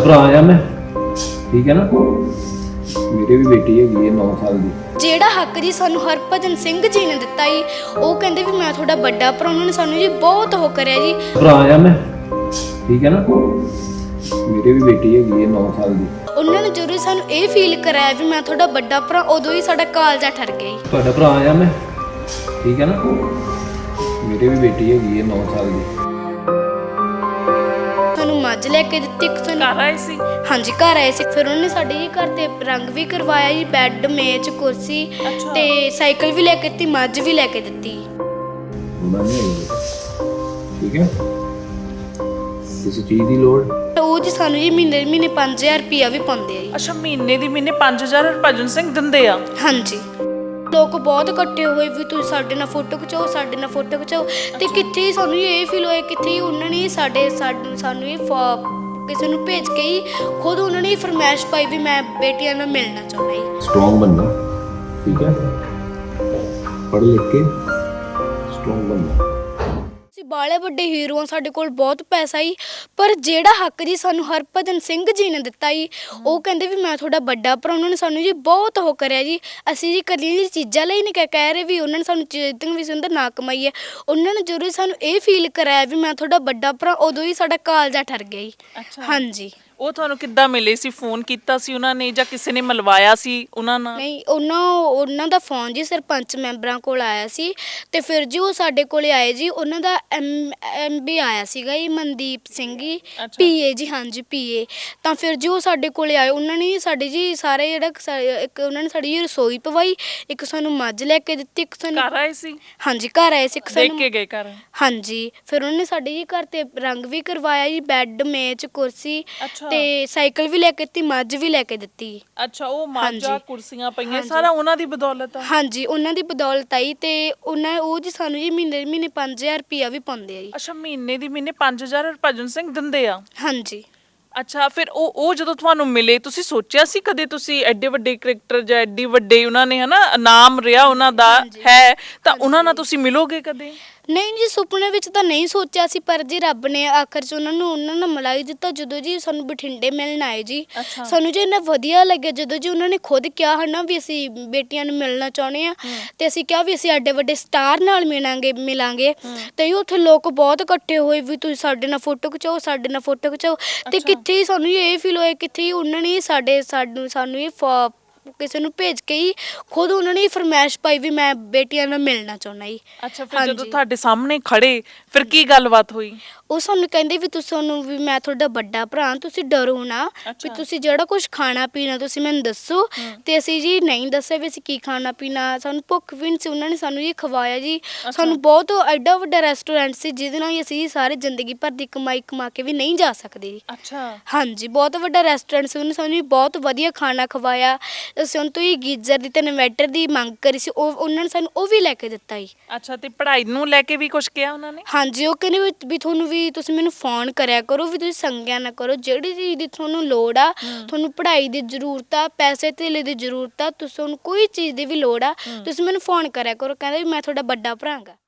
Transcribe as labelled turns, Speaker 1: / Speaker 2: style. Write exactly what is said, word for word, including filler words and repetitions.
Speaker 1: ਭਰਾ ਆ ਮੈਂ, ਠੀਕ ਹੈ ਨਾ। ਮੇਰੇ ਵੀ ਬੇਟੀ ਹੈਗੀ ਹੈ ਨੌ ਸਾਲ ਦੀ।
Speaker 2: ਜਿਹੜਾ ਹੱਕ ਜੀ ਸਾਨੂੰ ਹਰਭਜਨ ਸਿੰਘ ਜੀ ਨੇ ਦਿੱਤਾ ਜੀ, ਉਹ ਕਹਿੰਦੇ ਵੀ ਮੈਂ ਤੁਹਾਡਾ ਵੱਡਾ ਭਰਾ, ਉਹਨਾਂ ਨੇ ਸਾਨੂੰ ਜੀ ਬਹੁਤ ਉਹ ਕਰਿਆ ਜੀ।
Speaker 1: ਭਰਾ ਆ ਮੈਂ, ਠੀਕ ਹੈ ਨਾ। ਮੇਰੇ ਵੀ ਬੇਟੀ ਹੈਗੀ ਹੈ ਨੌ ਸਾਲ ਦੀ।
Speaker 2: ਉਹਨਾਂ ਨੇ ਜਦੋਂ ਸਾਨੂੰ ਇਹ ਫੀਲ ਕਰਾਇਆ ਵੀ ਮੈਂ ਤੁਹਾਡਾ ਵੱਡਾ ਭਰਾ, ਉਦੋਂ ਹੀ ਸਾਡਾ ਕਾਲਜਾ ਠਰ ਗਿਆ ਜੀ।
Speaker 1: ਤੁਹਾਡਾ ਭਰਾ ਆ ਮੈਂ, ਠੀਕ ਹੈ ਨਾ। ਮੇਰੇ ਵੀ ਬੇਟੀ ਹੈਗੀ ਹੈ ਨੌ ਸਾਲ ਦੀ।
Speaker 2: ਸਾਨੂੰ ਮੱਝ ਲੈ ਕੇ ਦਿੱਤੀ, ਇੱਕ ਸਾਨੂੰ
Speaker 3: ਘਰ ਆਏ ਸੀ।
Speaker 2: ਹਾਂਜੀ ਘਰ ਆਏ ਸੀ। ਫਿਰ ਉਹਨੇ ਸਾਡੇ ਜੀ ਘਰ ਤੇ ਰੰਗ ਵੀ ਕਰਵਾਇਆ ਜੀ, ਬੈੱਡ ਮੇਜ਼ ਕੁਰਸੀ ਤੇ ਸਾਈਕਲ ਵੀ ਲੈ ਕੇ ਦਿੱਤੀ, ਮੱਝ ਵੀ ਲੈ ਕੇ ਦਿੱਤੀ।
Speaker 1: ਉਹਨਾਂ ਨੇ ਠੀਕ ਹੈ, ਕਿਸੇ ਚੀਜ਼ ਦੀ ਲੋੜ
Speaker 2: ਉਹ ਜੀ ਸਾਨੂੰ ਜੀ ਮਹੀਨੇ ਮਹੀਨੇ ਪੰਜ ਹਜ਼ਾਰ ਰੁਪਇਆ ਵੀ ਪਾਉਂਦੇ ਆ ਜੀ।
Speaker 3: ਅੱਛਾ, ਮਹੀਨੇ ਦੀ ਮਹੀਨੇ ਪੰਜ ਹਜ਼ਾਰ ਹਰਭਜਨ ਸਿੰਘ ਦਿੰਦੇ ਆ।
Speaker 2: ਹਾਂਜੀ, ਲੋਕ ਬਹੁਤ ਇਕੱਠੇ ਹੋਏ ਵੀ ਤੁਸੀਂ ਸਾਡੇ ਨਾਲ ਫੋਟੋ ਖਿਚਾਓ, ਸਾਡੇ ਨਾਲ ਫੋਟੋ ਖਿਚਾਓ। ਤੇ ਕਿੱਥੇ ਸਾਨੂੰ ਇਹ ਫੀਲ ਹੋਇਆ, ਕਿੱਥੇ ਉਹਨਾਂ ਨੇ ਸਾਡੇ ਸਾਨੂੰ ਇਹ ਕਿਸੇ ਨੂੰ ਭੇਜ ਕੇ ਹੀ ਖੁਦ ਉਹਨਾਂ ਨੇ ਫਰਮਾਇਸ਼ ਪਾਈ ਵੀ ਮੈਂ ਬੇਟੀਆਂ ਨਾਲ ਮਿਲਣਾ ਚਾਹੁੰਦਾ ਜੀ।
Speaker 1: ਸਟਰੋਂਗ ਬਣਨਾ, ਠੀਕ ਹੈ, ਪੜ੍ਹ ਲਿਖ ਕੇ ਸਟਰੋਂਗ ਬਣਨਾ।
Speaker 2: ਅਸੀਂ ਬਾਲੇ ਵੱਡੇ ਹੀਰੋ ਆ, ਸਾਡੇ ਕੋਲ ਬਹੁਤ ਪੈਸਾ ਹੀ, ਪਰ ਜਿਹੜਾ ਹੱਕ ਜੀ ਸਾਨੂੰ ਹਰਭਜਨ ਸਿੰਘ ਜੀ ਨੇ ਦਿੱਤਾ ਜੀ, ਉਹ ਕਹਿੰਦੇ ਵੀ ਮੈਂ ਤੁਹਾਡਾ ਵੱਡਾ ਭਰਾ, ਉਹਨਾਂ ਨੇ ਸਾਨੂੰ ਜੀ ਬਹੁਤ ਉਹ ਕਰਿਆ ਜੀ। ਅਸੀਂ ਜੀ ਕਦੀ ਜੀ ਚੀਜ਼ਾਂ ਲਈ ਨਹੀਂ ਕਹਿ ਕਹਿ ਰਹੇ ਵੀ ਉਹਨਾਂ ਨੇ ਸਾਨੂੰ ਚੀਜ਼ਾਂ ਵੀ ਸੁੰਦਰ ਨਾ ਕਮਾਈ ਹੈ। ਉਹਨਾਂ ਨੇ ਜਦੋਂ ਸਾਨੂੰ ਇਹ ਫੀਲ ਕਰਾਇਆ ਵੀ ਮੈਂ ਤੁਹਾਡਾ ਵੱਡਾ ਭਰਾ, ਉਦੋਂ ਹੀ ਸਾਡਾ ਕਾਲਜਾ ਠਰ ਗਿਆ ਜੀ। ਹਾਂਜੀ।
Speaker 3: ਉਹ ਤੁਹਾਨੂੰ ਕਿੱਦਾਂ ਮਿਲੇ ਸੀ? ਫੋਨ ਕੀਤਾ ਸੀ ਉਹਨਾਂ ਨੇ ਜਾਂ ਕਿਸੇ ਨੇ ਮਿਲਵਾਇਆ ਸੀ ਉਹਨਾਂ ਨਾਲ?
Speaker 2: ਨਹੀਂ, ਉਹਨਾਂ ਉਹਨਾਂ ਦਾ ਫੋਨ ਜੀ ਸਰਪੰਚ ਮੈਂਬਰਾਂ ਕੋਲ ਆਇਆ ਸੀ, ਤੇ ਫਿਰ ਜੀ ਉਹ ਸਾਡੇ ਕੋਲੇ ਆਏ ਜੀ। ਉਹਨਾਂ ਦਾ ਐਮ ਐਮ ਵੀ ਆਇਆ ਸੀਗਾ ਜੀ, ਮਨਦੀਪ ਸਿੰਘ ਜੀ, ਪੀਏ ਜੀ। ਹਾਂਜੀ ਪੀਏ। ਤਾਂ ਫਿਰ ਜੀ ਉਹ ਸਾਡੇ ਕੋਲੇ ਆਏ, ਉਹਨਾਂ ਨੇ ਸਾਡੇ ਜੀ ਸਾਰੇ ਜਿਹੜਾ ਇੱਕ ਉਹਨਾਂ ਨੇ ਸਾਡੀ ਰਸੋਈ ਪਵਾਈ, ਇੱਕ ਸਾਨੂੰ ਮੱਝ ਲੈ ਕੇ ਦਿੱਤੀ, ਇੱਕ ਸਾਨੂੰ
Speaker 3: ਘਰ ਆਏ ਸੀ।
Speaker 2: ਹਾਂਜੀ ਘਰ ਆਏ ਸੀ, ਇੱਕ
Speaker 3: ਦੇਖ
Speaker 2: ਸਾਨੂੰ
Speaker 3: ਕੇ ਗਏ ਘਰ।
Speaker 2: ਹਾਂਜੀ, ਫਿਰ ਉਹਨਾਂ ਨੇ ਸਾਡੇ ਜੀ ਘਰ ਤੇ ਰੰਗ ਵੀ ਕਰਵਾਇਆ ਜੀ, ਬੈੱਡ ਮੇਜ਼ ਕੁਰਸੀ ਤੇ ਸਾਈਕਲ ਵੀ ਲੈ ਕੇ ਦਿੱਤੀ, ਮੱਝ ਵੀ ਲੈ ਕੇ ਦਿੱਤੀ।
Speaker 3: ਅੱਛਾ, ਉਹ ਮਾਝਾ ਕੁਰਸੀਆਂ ਪਈਆਂ ਸਾਰਾ ਉਹਨਾਂ ਦੀ ਬਦੌਲਤ ਆ?
Speaker 2: ਹਾਂਜੀ, ਉਹਨਾਂ ਦੀ ਬਦੌਲਤ ਆਈ। ਤੇ ਉਹਨਾਂ ਉਹ ਜੀ ਸਾਨੂੰ ਜੀ ਮਹੀਨੇ ਮਹੀਨੇ ਪੰਜ ਹਜ਼ਾਰ ਰੁਪਇਆ ਵੀ ਪਾਉਂਦੇ ਆ ਜੀ।
Speaker 3: ਅੱਛਾ, ਮਹੀਨੇ ਦੀ ਮਹੀਨੇ ਪੰਜ ਹਜ਼ਾਰ ਹਰਭਜਨ ਸਿੰਘ ਦਿੰਦੇ ਆ?
Speaker 2: ਹਾਂਜੀ।
Speaker 3: ਅੱਛਾ, ਫਿਰ ਉਹ ਉਹ ਜਦੋਂ ਤੁਹਾਨੂੰ ਮਿਲੇ, ਤੁਸੀਂ ਸੋਚਿਆ ਸੀ ਕਦੇ ਤੁਸੀਂ ਐਡੇ ਵੱਡੇ ਕ੍ਰਿਕਟਰ ਜਾਂ ਐਡੀ ਵੱਡੇ ਉਹਨਾਂ ਨੇ ਹਨਾ ਨਾਮ ਰਿਹਾ ਉਹਨਾਂ ਦਾ ਹੈ, ਤਾਂ ਉਹਨਾਂ ਨਾਲ ਤੁਸੀਂ ਮਿਲੋਗੇ ਕਦੇ?
Speaker 2: ਨਹੀਂ ਜੀ, ਸੁਪਨੇ ਵਿੱਚ ਤਾਂ ਨਹੀਂ ਸੋਚਿਆ ਸੀ, ਪਰ ਜੀ ਰੱਬ ਨੇ ਆਖਰ 'ਚ ਉਹਨਾਂ ਨੂੰ ਉਹਨਾਂ ਨਾਲ ਮਿਲਾ ਹੀ ਦਿੱਤਾ। ਜਦੋਂ ਜੀ ਸਾਨੂੰ ਬਠਿੰਡੇ ਮਿਲਣ ਆਏ ਜੀ, ਸਾਨੂੰ ਜੀ ਇੰਨਾ ਵਧੀਆ ਲੱਗਿਆ ਜਦੋਂ ਜੀ ਉਹਨਾਂ ਨੇ ਖੁਦ ਕਿਹਾ ਹਨਾ ਵੀ ਅਸੀਂ ਬੇਟੀਆਂ ਨੂੰ ਮਿਲਣਾ ਚਾਹੁੰਦੇ ਹਾਂ, ਤੇ ਅਸੀਂ ਕਿਹਾ ਵੀ ਅਸੀਂ ਐਡੇ ਵੱਡੇ ਸਟਾਰ ਨਾਲ ਮਿਲਾਂਗੇ ਮਿਲਾਂਗੇ ਤੇ ਉੱਥੇ ਲੋਕ ਬਹੁਤ ਇਕੱਠੇ ਹੋਏ ਵੀ ਤੁਸੀਂ ਸਾਡੇ ਨਾਲ ਫੋਟੋ ਖਿਚਾਓ, ਸਾਡੇ ਨਾਲ ਫੋਟੋ ਖਿਚਾਓ। ਤੇ ਕਿੱਥੇ ਸਾਨੂੰ ਇਹ ਫੀਲ ਹੋਇਆ, ਕਿੱਥੇ ਉਹਨਾਂ ਨੇ ਸਾਡੇ ਸਾਨੂੰ ਸਾਨੂੰ ਇਹ ਕਿਸੇ ਨੂੰ ਭੇਜ ਕੇ ਹੀ ਖੁਦ ਉਹਨਾਂ ਨੇ ਫਰਮਾਇਸ਼ ਪਾਈ ਵੀ ਮੈਂ ਬੇਟੀਆਂ ਨਾਲ ਮਿਲਣਾ ਚਾਹੁੰਦਾ ਜੀ।
Speaker 3: ਅੱਛਾ, ਫਿਰ ਜਦੋਂ ਤੁਹਾਡੇ ਸਾਹਮਣੇ ਖੜੇ ਫਿਰ ਕੀ ਗੱਲਬਾਤ ਹੋਈ?
Speaker 2: ਉਹ ਸਾਨੂੰ ਕਹਿੰਦੇ ਵੀ ਤੁਸੀਂ ਸਾਨੂੰ ਵੀ ਮੈਂ ਤੁਹਾਡਾ ਵੱਡਾ ਭਰਾ, ਤੁਸੀਂ ਡਰੋ ਨਾ, ਵੀ ਤੁਸੀਂ ਜਿਹੜਾ ਕੁਝ ਖਾਣਾ ਪੀਣਾ ਤੁਸੀਂ ਮੈਨੂੰ ਦੱਸੋ। ਤੇ ਅਸੀਂ ਜੀ ਨਹੀਂ ਦੱਸਿਆ ਵੀ ਅਸੀਂ ਕੀ ਖਾਣਾ ਪੀਣਾ, ਸਾਨੂੰ ਭੁੱਖ ਵੀ ਨਹੀਂ ਸੀ। ਉਹਨਾਂ ਨੇ ਸਾਨੂੰ ਜੀ ਖਵਾਇਆ ਜੀ। ਸਾਨੂੰ ਬਹੁਤ ਐਡਾ ਵੱਡਾ ਰੈਸਟੋਰੈਂਟ ਸੀ ਜਿਹਦੇ ਨਾਲ ਅਸੀਂ ਸਾਰੇ ਜ਼ਿੰਦਗੀ ਭਰ ਦੀ ਕਮਾਈ ਕਮਾ ਕੇ ਵੀ ਨਹੀਂ ਜਾ ਸਕਦੇ ਜੀ।
Speaker 3: ਅੱਛਾ।
Speaker 2: ਹਾਂਜੀ, ਬਹੁਤ ਵੱਡਾ ਰੈਸਟੋਰੈਂਟ ਸੀ। ਉਹਨੇ ਸਾਨੂੰ ਬਹੁਤ ਵਧੀਆ ਖਾਣਾ ਖਵਾਇਆ। ਅਸੀਂ ਉਹਨਾਂ ਤੋਂ ਹੀ ਗੀਜ਼ਰ ਦੀ ਤੇ ਇਨਵੈਟਰ ਦੀ ਮੰਗ ਕਰੀ ਸੀ, ਉਹ ਉਹਨਾਂ ਨੇ ਸਾਨੂੰ ਉਹ ਵੀ ਲੈ ਕੇ ਦਿੱਤਾ ਜੀ।
Speaker 3: ਅੱਛਾ, ਤੇ ਪੜ੍ਹਾਈ ਨੂੰ ਲੈ ਕੇ ਵੀ ਕੁਝ ਕਿਹਾ ਉਹਨਾਂ ਨੇ?
Speaker 2: ਹਾਂਜੀ, ਉਹ ਕਹਿੰਦੇ ਵੀ ਤੁਹਾਨੂੰ ਵੀ ਤੁਸੀਂ ਮੈਨੂੰ ਫੋਨ ਕਰਿਆ ਕਰੋ, ਵੀ ਤੁਸੀਂ ਸੰਗਿਆ ਨਾ ਕਰੋ, ਜਿਹੜੀ ਚੀਜ਼ ਦੀ ਤੁਹਾਨੂੰ ਲੋੜ ਆ, ਤੁਹਾਨੂੰ ਪੜ੍ਹਾਈ ਦੀ ਜ਼ਰੂਰਤ ਆ, ਪੈਸੇ ਧੇਲੇ ਦੀ ਜ਼ਰੂਰਤ ਆ, ਤੁਸੀਂ ਤੁਹਾਨੂੰ ਕੋਈ ਚੀਜ਼ ਦੀ ਵੀ ਲੋੜ ਆ, ਤੁਸੀਂ ਮੈਨੂੰ ਫੋਨ ਕਰਿਆ ਕਰੋ। ਕਹਿੰਦੇ ਵੀ ਮੈਂ ਤੁਹਾਡਾ ਵੱਡਾ ਭਰਾ ਗਾ।